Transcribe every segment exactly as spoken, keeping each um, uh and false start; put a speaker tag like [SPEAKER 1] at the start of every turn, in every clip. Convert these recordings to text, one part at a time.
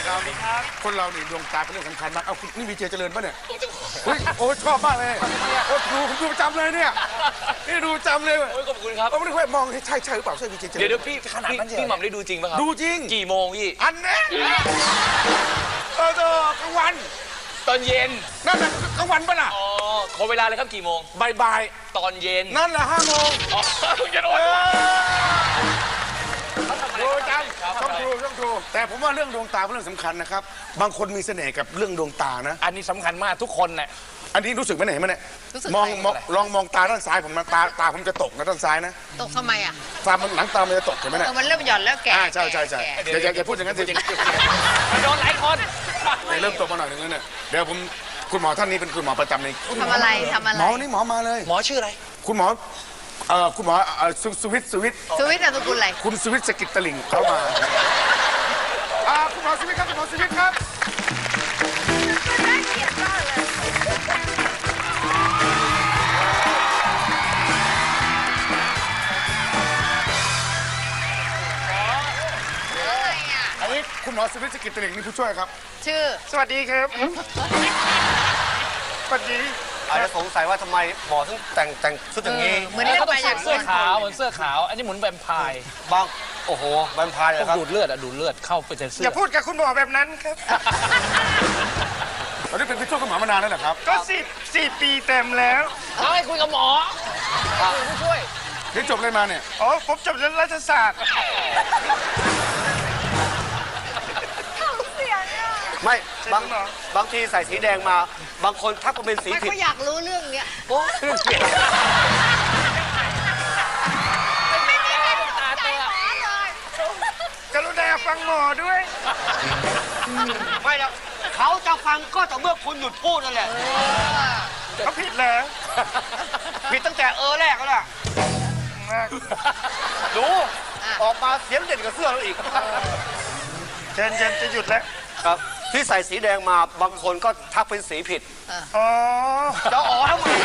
[SPEAKER 1] ครับคนเราเนี่ยดวงตาเป็นเรื่องสำคัญมากเอาคุณนี่วีเจเจริญป่ะเนี่ยโอ้ชอบมากเลยโอ้ดูผมดูประจำเลยเนี่ยนี่ดูประจำเลย
[SPEAKER 2] โอ้ยขอบคุณครับ
[SPEAKER 1] ผมไม่ได้ค่อยมองใช่ใช่หรือเปล่าใช่วีเจเจริญ
[SPEAKER 2] เดี๋ยวเดี๋ยวพี่ขนาดนั้นพี่หม่ำได้ดูจริงป่ะครับ
[SPEAKER 1] ดูจริง
[SPEAKER 2] กี่โมงพี่
[SPEAKER 1] อันนี้เออเออกลางวัน
[SPEAKER 2] ตอนเย็น
[SPEAKER 1] นั่นแหละกลางวันป่ะน่ะ
[SPEAKER 2] อ๋อขอเวลาเลยครับกี่โมง
[SPEAKER 1] บ่ายบ่าย
[SPEAKER 2] ตอนเย็น
[SPEAKER 1] นั่นแหละห้าโมง
[SPEAKER 2] อ๋อจะโดน
[SPEAKER 1] ดูจำต้องดูต้องดูแต่ผมว่าเรื่องดวงตาเป็นเรื่องสำคัญนะครับบางคนมีเสน่ห์กับเรื่องดวงตานะ
[SPEAKER 2] อันนี้สำคัญมากทุกคนแหละ
[SPEAKER 1] อันนี้รู้สึกไหมไหนมาเนี่ยมองลองมองตาด้านซ้ายผมนะตาตาผมจะตกนะด้านซ้ายนะ
[SPEAKER 3] ตกทำไมอ่ะ
[SPEAKER 1] ตามันหลังตามันจะตกเห็นไหมเนี่ย
[SPEAKER 3] มันเริ่มหย่อนแล้วแก่
[SPEAKER 1] ใช่ใช่ใช่อย่าอย่าพูดอย่างนั้นสิ
[SPEAKER 2] มันโดนหลายคน
[SPEAKER 1] เริ่มตกมาหน่อยนึงแล้วเนี่ยเดี๋ยวผมคุณหมอท่านนี้เป็นคุณหมอประจำใน
[SPEAKER 3] ทำอะไรทำอะไร
[SPEAKER 1] หมอนี่หมอมาเลย
[SPEAKER 2] หมอชื่ออะไร
[SPEAKER 1] คุณหมอเอ่อคุณหมอสุวิทย์สุวิทย์
[SPEAKER 3] สุวิทย์นามสกุลอะไร
[SPEAKER 1] คุณสุวิทย์สกิตตลิ่งเข้ามาอ่าคุณหมอสุวิทย์ครับคุณหมอสุวิทย์ครับอันนี้คุณหมอสุวิทย์สกิตตลิ่งนี่ผู้ช่วยครับ
[SPEAKER 3] ชื่อ
[SPEAKER 1] สวัสดีครับสวัสดี
[SPEAKER 4] อาจจะสงสัยว่าทำไมหมอถึงแต่งแต่งชุดอย่างนี้
[SPEAKER 3] เหมือนเขา
[SPEAKER 2] ต้องใส่เสื้อขาวเหมือนเสื้อขาวอันนี้เหมือนแวมไพร์
[SPEAKER 4] บางโอ้โหแวมไพร์เลยครับ
[SPEAKER 2] ดูดเลือดอะดูดเลือดเข้าไปในเสื้อ
[SPEAKER 1] อย่าพูดกับคุณหมอแบบนั้นครับตอนนี้เป็นผู้ช่วยคุณหมอมานานแล้วเหรอครับก็สิบสี่ปีเต็มแล้ว
[SPEAKER 2] เอาให้คุยกับหมอผู้ช่วย
[SPEAKER 1] นี่จบอะไรมาเนี่ย
[SPEAKER 4] อ๋อผมจบเรื่องรัฐศาสตร์ไม่บางบางทีใส่สีแดงมาบางคนทักว่าเป็นสีผิด
[SPEAKER 3] เขาอยากรู้เรื่องเนี้ย
[SPEAKER 4] โอ้เรื่องเกี่ยว
[SPEAKER 3] ไม่มีใครสนใจหมอเลย
[SPEAKER 1] กรุณาฟังหมอด้วย
[SPEAKER 4] ไม่แล้วเขาจะฟังก็ต่อเมื่อคุณหยุดพูดนั่นแหละ
[SPEAKER 1] เขาผิดแล้ว
[SPEAKER 4] ผิดตั้งแต่เออแรกแล้วล่ะดูออกมาเสียงเด่นกับเสื้อเราอีก
[SPEAKER 1] เจนเจนจะหยุดแล้ว
[SPEAKER 4] ครับที่ใส่สีแดงมาบางคนก็ทักเป็นสีผิด
[SPEAKER 1] อ๋อ
[SPEAKER 4] จะอ๋อทำไม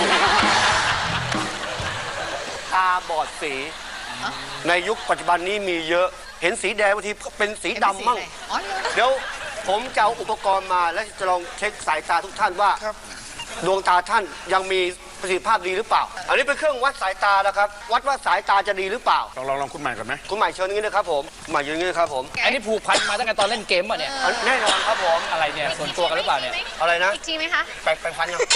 [SPEAKER 4] ตาบอดสีในยุคปัจจุบันนี้มีเยอะเห็นสีแดงบางทีเป็นสีดำมั่งเดี๋ยวผมจะเอาอุปกรณ์มาและจะลองเช็คสายตาทุกท่านว่าดวงตาท่านยังมีประสิทธิภาพดีหรือเปล่าอันนี้เป็นเครื่องวัดสายตานะครับวัดว่าสายตาจะดีหรือเปล่า
[SPEAKER 1] ลองลองลองคุณใหม่ก่อนไหม
[SPEAKER 4] คุณใหม่เชิญนี้นะครับผมใหม่ยืนนี้นะครับผม
[SPEAKER 2] อันนี้ผูกพันมาตั้งแต่ตอนเล่นเกมป่ะเนี่ย
[SPEAKER 4] แน่นอนครับผม
[SPEAKER 2] อะไรเนี่ยส่วนตัวกันหรือเปล่าเนี่ย
[SPEAKER 4] อะไรนะ
[SPEAKER 3] อีกทีไหมคะ
[SPEAKER 4] แปลงแปลงฟันยัง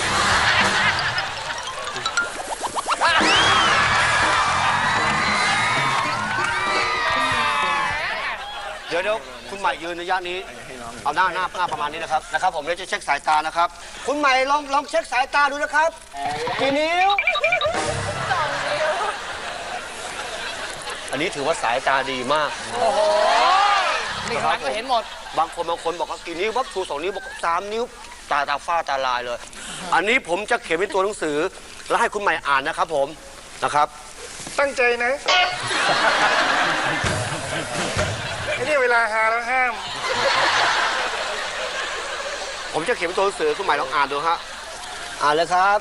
[SPEAKER 4] เดี๋ยวเดี๋ยวคุณใหม่ยืนระยะนี้เอาหน้าหน้าหน้าประมาณนี้นะครับนะครับผมเดี๋ยวจะเช็คสายตานะครับคุณใหม่ลองลองเช็คสายตาดูนะครับกี่นิ้วอันนี้ถือว่าสายตาดีมาก
[SPEAKER 2] โอ้โหนี่ข้างหลังก็เห็นหมด
[SPEAKER 4] บางคนบางคนบอกว่ากี่นิ้ววับชูสองนิ้วบอกสามนิ้วตาตาฝ้าตาลายเลยอันนี้ผมจะเขียนเป็นตัวหนังสือแล้วให้คุณใหม่อ่านนะครับผมนะครับ
[SPEAKER 1] ตั้งใจนะไอ้นี่เวลาหาแล้วห้าม
[SPEAKER 4] ผมจะเขียนเป็นตัวหนังสือคุณใหม่ลองอ่านดูฮะอ่านเลยครับ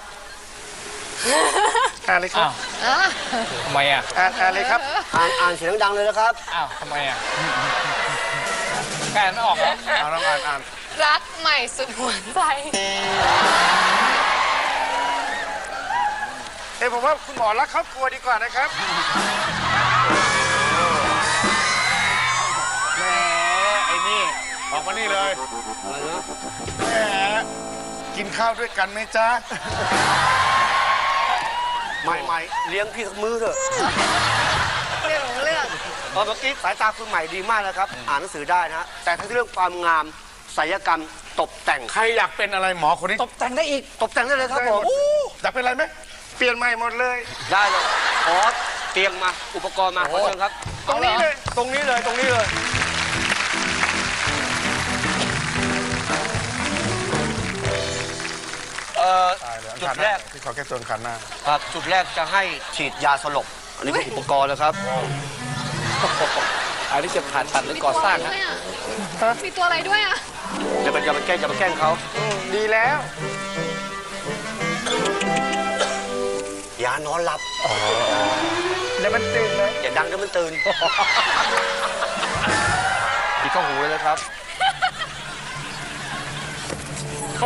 [SPEAKER 1] อ่านเลยครับ
[SPEAKER 2] ทำไมอ่ะ
[SPEAKER 1] อ่านอ่านเลยครับ
[SPEAKER 4] อ่านอ่านเสียงดังเลยนะครับ
[SPEAKER 2] อ้าวทำไมอ่ะแกไม่ออกเหรอ
[SPEAKER 1] เอาลองอ่านอ่าน
[SPEAKER 3] รักใหม่สุดหัวใจ
[SPEAKER 1] เอ้ผมว่าคุณหมอรักครอบครัวดีกว่านะครับแหมไอ้นี่ออกมานี่เลยแหมกินข้าวด้วยกันไหมจ๊ะ
[SPEAKER 4] ไม่ไม่เลี้ยงพี่สักมื้อเถอะ
[SPEAKER 3] เรื่องของเรื่อง
[SPEAKER 4] เมื่อกี้สายตาคุณใหม่ดีมากนะครับอ่านหนังสือได้นะแต่ทั้งเรื่องความงามศัลยกรรมตกแต่ง
[SPEAKER 1] ใครอยากเป็นอะไรหมอคนนี้
[SPEAKER 2] ตกแต่งได้อีก
[SPEAKER 4] ตกแต่งได้เลยครับผม
[SPEAKER 1] อยากเป็นอะไรไหมเปลี่ยนใหม่หมดเลย
[SPEAKER 4] ได้เลยขอเตียงมาอุปกรณ์มาขอเชิญครับ
[SPEAKER 1] ตรงนี้เลย
[SPEAKER 4] ตรงนี้เลยตรงนี้เลยจุดแรก
[SPEAKER 1] ที่ขอแก้ตัวคันหน้า
[SPEAKER 4] ครับจุดแรกจะให้ฉีดยาสลบอันนี้เป็นอุปกรณ์นะครับ
[SPEAKER 2] อันนี้จะผ่าตัดหรือก่อสร้างนะ
[SPEAKER 3] มีตัวอะไรด้วยอ่ะ
[SPEAKER 4] อย่าไปอย่าไปแกล้งอย่าไปแกล้งเขา
[SPEAKER 1] ดีแล้ว
[SPEAKER 4] ยานอนหลับ
[SPEAKER 1] เดี๋ยวมันตื่นเลย
[SPEAKER 4] อย่าดังเดี๋ยวมันตื่นปิดข้อหูเลยนะครับ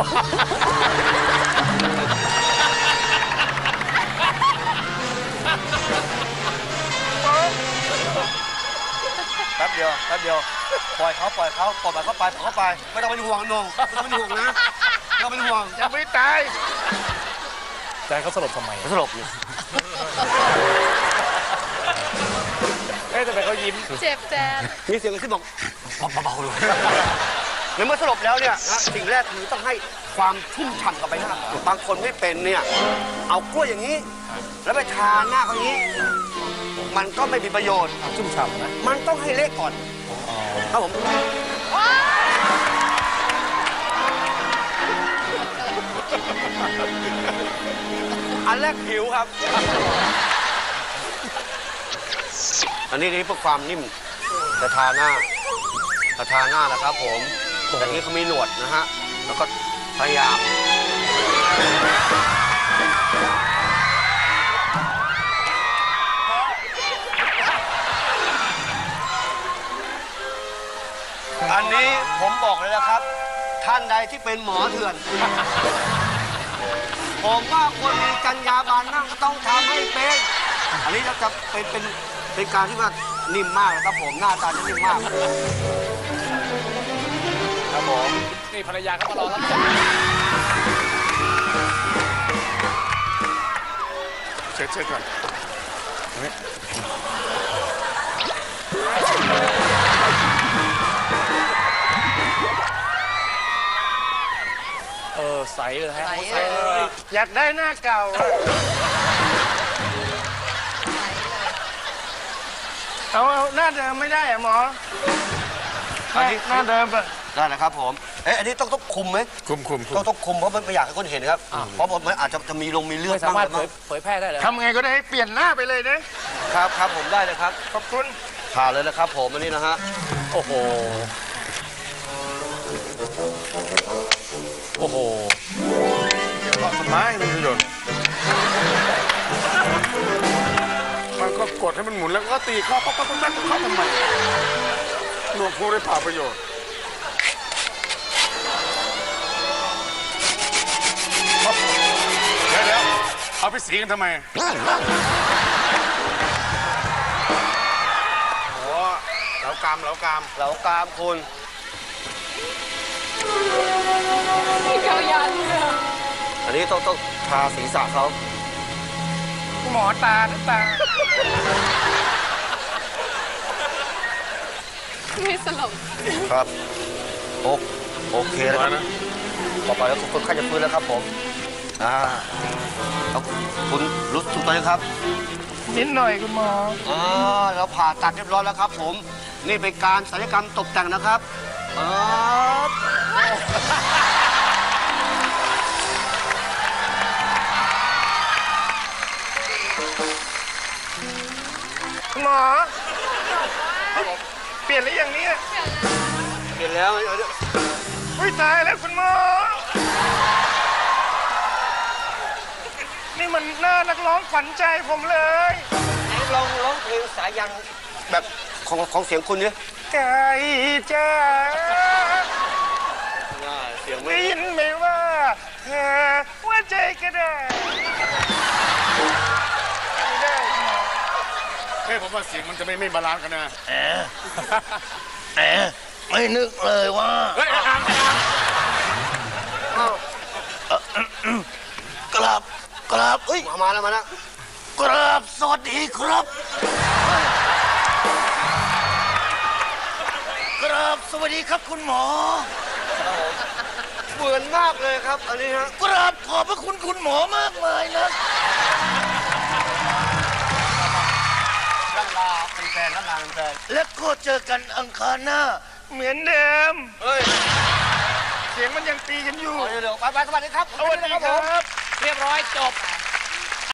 [SPEAKER 4] แป๊บเดียวแป๊บเดียวปล่อยเขาปล่อยเขาปล่อยเขาไปปล่อยเขาไปไม่ต้องเป็นห่วงนงไม่ต้องเป็นห่วงนะไม่ต้องเป็นห่วง
[SPEAKER 1] ยังไม่ตาย
[SPEAKER 2] ใจเขาสลบทำไม
[SPEAKER 4] สลบอยู่
[SPEAKER 2] เอ๊ะทำไมเขายิ้ม
[SPEAKER 3] เจ็บแจน
[SPEAKER 4] มีเสียงขึ้นบอกเบาๆเลยในเมื่อสลบแล้วเนี่ยนะสิ่งแรกคือต้องให้ความชุ่มฉ่ำกับใบหน้าบางคนไม่เป็นเนี่ยเอากล้วยอย่างนี้ แล้วไปทาหน้าเขาอย่างนี้ มันก็ไม่มีประโยชน์
[SPEAKER 2] ชุ่มฉ่ำนะ
[SPEAKER 4] มันต้องให้เละก่อนครับผมอันแรกผิวครับ อันนี้นี่เพื่อความนิ่มจะทาหน้าจะทาหน้านะครับผมแต่นี้เขามีหนวดนะฮะแล้วก็พยายามอันนี้ผมบอกเลยนะครับ ท่านใดที่เป็นหมอเถื่อน ผมว่าคนมีจรรยาบรรณนั่งต้องทำให้เป็น อันนี้จะเป็นเป็นเป็นการที่ว่านิ่มมากนะครับผมหน้าตาจะนิ่มมากครับผม
[SPEAKER 2] นี่ภรรยาเขามารอรับจับ
[SPEAKER 1] เช็ดเช็ดก่อน
[SPEAKER 2] เออใสเลยฮะ
[SPEAKER 3] ใสเลย
[SPEAKER 1] อยากได้หน้าเก่าเอาเอาหน้าเดิมไม่ได้อะหมอ
[SPEAKER 4] อันนี้
[SPEAKER 1] หน้าเดิมอะ
[SPEAKER 4] ได้นะครับผม เอ๊ะอันนี้ต้องต้องคุมไหม
[SPEAKER 1] คุมคุมคุ
[SPEAKER 4] ต้อง
[SPEAKER 1] ม
[SPEAKER 4] ต้องคุมเพราะมันไม่อยากให้คนเห็นครับ เพราะมันอาจจะจะมีลงมีเลือด
[SPEAKER 2] ไม่สามารถ
[SPEAKER 4] บ้
[SPEAKER 2] เผ
[SPEAKER 4] ง
[SPEAKER 2] ยเผยแพร่ได้เลย
[SPEAKER 1] ทำไงก็ได้ให้เปลี่ยนหน้าไปเลยนะครับ
[SPEAKER 4] ครับผมได้เลยครับ
[SPEAKER 1] ขอบคุณ
[SPEAKER 4] ผ่านเลยนะครับผมอันนี้นะฮะ
[SPEAKER 2] โอ้โห โอ้โห
[SPEAKER 1] เพราะสมัยมันประโยชน์มันก็กดให้มันหมุนแล้วก็ตีข้อป๊อกป๊อกป๊อกป๊อกเข้าทำไมหนวกพูได้เปล่าประโยชน์เดี๋ยวเดี๋ยวเอาไปสีกันทำไมโอ้เหลากามเหลากาม
[SPEAKER 4] เหลากรามคุณ
[SPEAKER 3] เกายันเลย
[SPEAKER 4] อันนี้ต้องต้องทาศีรษะเขา
[SPEAKER 1] หมอตาหรือตา
[SPEAKER 3] ไม่สลบ
[SPEAKER 4] ครับโอโอเคแล้วครับ
[SPEAKER 1] นะ
[SPEAKER 4] ต่อไปแล้วคนไข้จะฟื้นแล้วครับผมอ่าแล้วคุณรู้สึกตัวยังครับ
[SPEAKER 1] นิดหน่อยคุณหมอ
[SPEAKER 4] อ่าเราผ่าตัดเรียบร้อยแล้วครับผม นี่เป็นการศัลยกรรมตกแต่งนะครับอ่า
[SPEAKER 1] คุณหมอ เปลี่ยนหรือยังเนี่ย
[SPEAKER 4] เห็นแล้วเอาเดี๋ยว
[SPEAKER 1] อุ้ยตายแล้วคุณหมอ นี่มันหน้านักร้องขวัญใจผมเลย
[SPEAKER 4] ไหนลองร้องเพลงสายันแบบของของเสียงคุณเนี่ย
[SPEAKER 1] ไก่จ้า
[SPEAKER 4] เสียงไม่
[SPEAKER 1] ได้ยินไหมว่าเธอว่าใจก็ได้ไม่ได้เฮ้ยผมว่าเสียงมันจะไม่ไม่บาลานซ์กันนะ
[SPEAKER 5] แหมไม่นึกเลยว่า
[SPEAKER 1] เฮ้ยอ่านอ่าน
[SPEAKER 5] กราบกราบเอ้ย
[SPEAKER 4] มามาแล้วมาแล้ว
[SPEAKER 5] กราบสวัสดีครับกราบสวัสดีครับคุณหมอ
[SPEAKER 4] เหมือนมากเลยครับ อันนี้ฮะ
[SPEAKER 5] กราบขอบพระคุณคุณหมอมากเลยนะ
[SPEAKER 4] ร่ำลาเป็นแฟนร่ำลาเป็นแฟน
[SPEAKER 5] และก็เจอกันอังคารหน้า
[SPEAKER 1] เหมือนเดิม
[SPEAKER 4] เฮ้ย
[SPEAKER 1] เสียงมันยังตีกันอยู่
[SPEAKER 4] เดี๋ยวเดี๋ยวไปไปสวัสดีครับ
[SPEAKER 1] สวัสดีครับ
[SPEAKER 2] เรียบร้อยจบ